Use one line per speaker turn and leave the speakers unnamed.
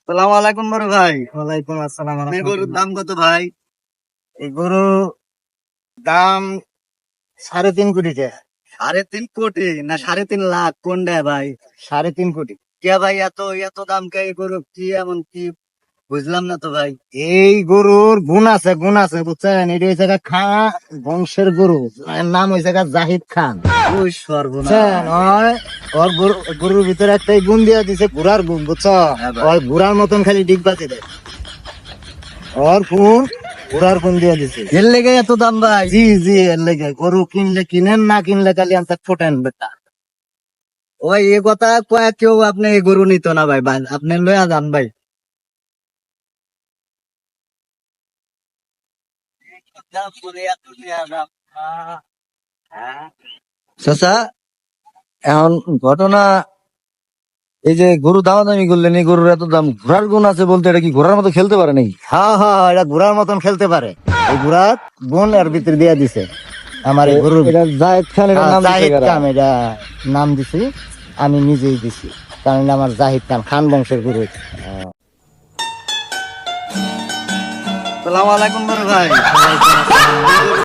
সালাম আলাইকুম বড় ভাই।
ওয়ালাইকুম আসসালাম।
এই গরুর দাম কত ভাই?
এই গরু দাম 3.5 কোটি টাকা।
3.5 কোটি না 3.5 লাখ কোনটা ভাই?
3.5 কোটি।
কে ভাই এত এত দাম কে এই গরু কি এমন কি বুঝলাম না তো ভাই।
এই গরুর গুণ আছে বুঝছেন। এটা হয়েছে খাঁ বংশের গরু, এর নাম হয়েছে জাহিদ খান
ওই সর্বনাশ।
বুঝছেন। ওর গরুর ভিতরে একটাই গুণ দিয়ে দিছে, ঘোড়ার গুণ বুঝছ।
হ্যাঁ ভাই।
ওর ঘোড়ার মতন খালি ডিগবাজি দেয়, ওর গুণ ঘোড়ার গুণ দিয়ে দিছে।
এর লেগে এত দাম ভাই?
জি জি, এর লেগে গরু কিনলে কিনেন, না কিনলে খালি আনতে ফোটেন বেটা।
ওই এ কথা কয়ে কেউ আপনি এই গরু নিত না ভাই, ভাই আপনি লয়া যান ভাই।
চাচা, এখন ঘটনা এই যে গরু দামাদামি করলেন, এই গরুর এত দাম, ঘোড়ার গুণ আছে বলতে এটা কি ঘোড়ার মতো খেলতে পারে নাকি?
হ্যাঁ হ্যাঁ, এটা ঘোড়ার মতন খেলতে পারে। এই ঘোড়া গুণ এর ভিতরে দিয়ে দিছে আমার এই গরুর।
এটা জায়েদ খান, এটা নাম দিছে
জাহিদ
কারা?
খান, এটা নাম দিছি আমি নিজেই দিছি, কারণ আমার জাহিদ খান খান বংশের গরু।
সালাম আলাইকুম বড় ভাই।